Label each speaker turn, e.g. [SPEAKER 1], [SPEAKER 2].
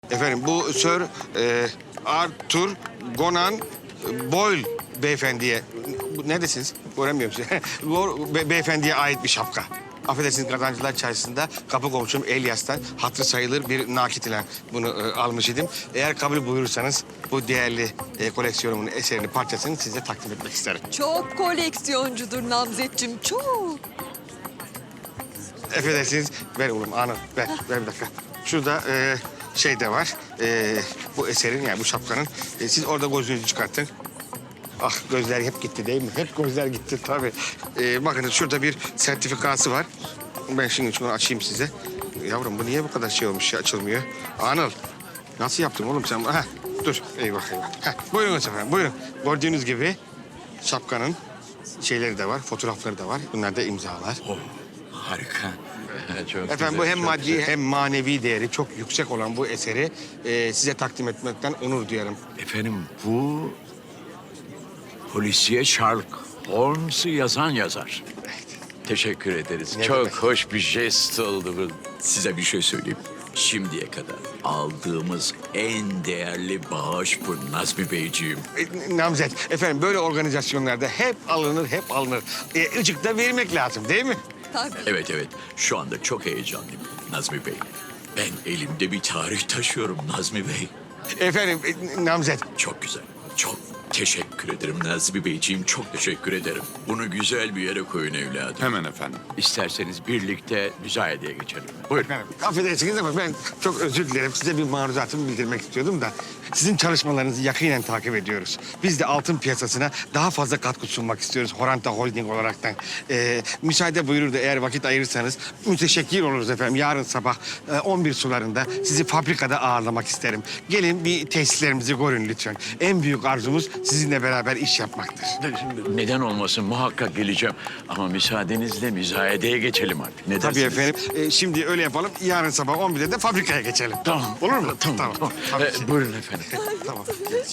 [SPEAKER 1] Efendim bu Sir Arthur Conan Boyle beyefendiye... Neredesiniz? Göremiyorum sizi. Bu beyefendiye ait bir şapka. Affedersiniz, Kazancılar Çarşısı'nda kapı komşum Elyas'tan hatırı sayılır bir nakit ile bunu almış idim. Eğer kabul buyurursanız bu değerli koleksiyonumun eserini, parçasını size takdim etmek isterim.
[SPEAKER 2] Çok koleksiyoncudur Namzetciğim, çok.
[SPEAKER 1] Affedersiniz, ver oğlum anı, ver bir dakika. Şurada şey de var, bu eserin yani bu şapkanın. Siz orada gözünüzü çıkartın. Ah, gözler hep gitti değil mi? Hep gözler gitti tabii. Bakın şurada bir sertifikası var. Ben şimdi şunu açayım size. Yavrum bu niye bu kadar şey olmuş ya, açılmıyor? Anıl, nasıl yaptın oğlum sen? Heh, dur, eyvah eyvah. Heh, buyurun efendim, buyurun. Gördüğünüz gibi şapkanın şeyleri de var, fotoğrafları da var. Bunlar da imzalar.
[SPEAKER 3] Oh, harika. Çok
[SPEAKER 1] Efendim bu
[SPEAKER 3] güzel,
[SPEAKER 1] hem
[SPEAKER 3] çok
[SPEAKER 1] maddi
[SPEAKER 3] güzel.
[SPEAKER 1] hem manevi değeri çok yüksek olan bu eseri size takdim etmekten onur duyarım.
[SPEAKER 3] Efendim bu polisiye Sherlock Holmes'u yazan yazar. Teşekkür ederiz.
[SPEAKER 1] Ne
[SPEAKER 3] Çok
[SPEAKER 1] demek?
[SPEAKER 3] hoş bir jest oldu bu. Size bir şey söyleyeyim. Şimdiye kadar aldığımız en değerli bağış bu Nazmi Beyciğim.
[SPEAKER 1] Namzet, efendim böyle organizasyonlarda hep alınır, hep alınır. Icık da vermek lazım değil mi?
[SPEAKER 2] Tabii.
[SPEAKER 3] Evet. Şu anda çok heyecanlıyım Nazmi Bey. Ben elimde bir tarih taşıyorum Nazmi Bey.
[SPEAKER 1] Efendim, Namzet,
[SPEAKER 3] Çok güzel. Çok teşekkür ederim Nazmi Beyciğim. Çok teşekkür ederim. Bunu güzel bir yere koyun evladım.
[SPEAKER 4] Hemen efendim.
[SPEAKER 3] İsterseniz birlikte müzayedeye geçelim. Buyurun.
[SPEAKER 1] efendim, affedersiniz ama ben çok özür dilerim. Size bir maruzatımı bildirmek istiyordum da... Sizin çalışmalarınızı yakinen takip ediyoruz. Biz de altın piyasasına daha fazla katkı sunmak istiyoruz Horanta Holding olaraktan. Müsaade buyurur da eğer vakit ayırırsanız müteşekkir oluruz efendim. Yarın sabah 11 sularında sizi fabrikada ağırlamak isterim. Gelin bir tesislerimizi görün lütfen. En büyük arzumuz sizinle beraber iş yapmaktır.
[SPEAKER 3] Neden olmasın muhakkak geleceğim. Ama müsaadenizle müzayedeye geçelim artık. Ne
[SPEAKER 1] Tabii
[SPEAKER 3] dersiniz?
[SPEAKER 1] efendim. Şimdi öyle yapalım. Yarın sabah 11'de de fabrikaya geçelim.
[SPEAKER 3] Tamam.
[SPEAKER 1] Olur mu?
[SPEAKER 3] Tamam.
[SPEAKER 1] Tabii ki.
[SPEAKER 3] Buyurun efendim.
[SPEAKER 1] Tamam.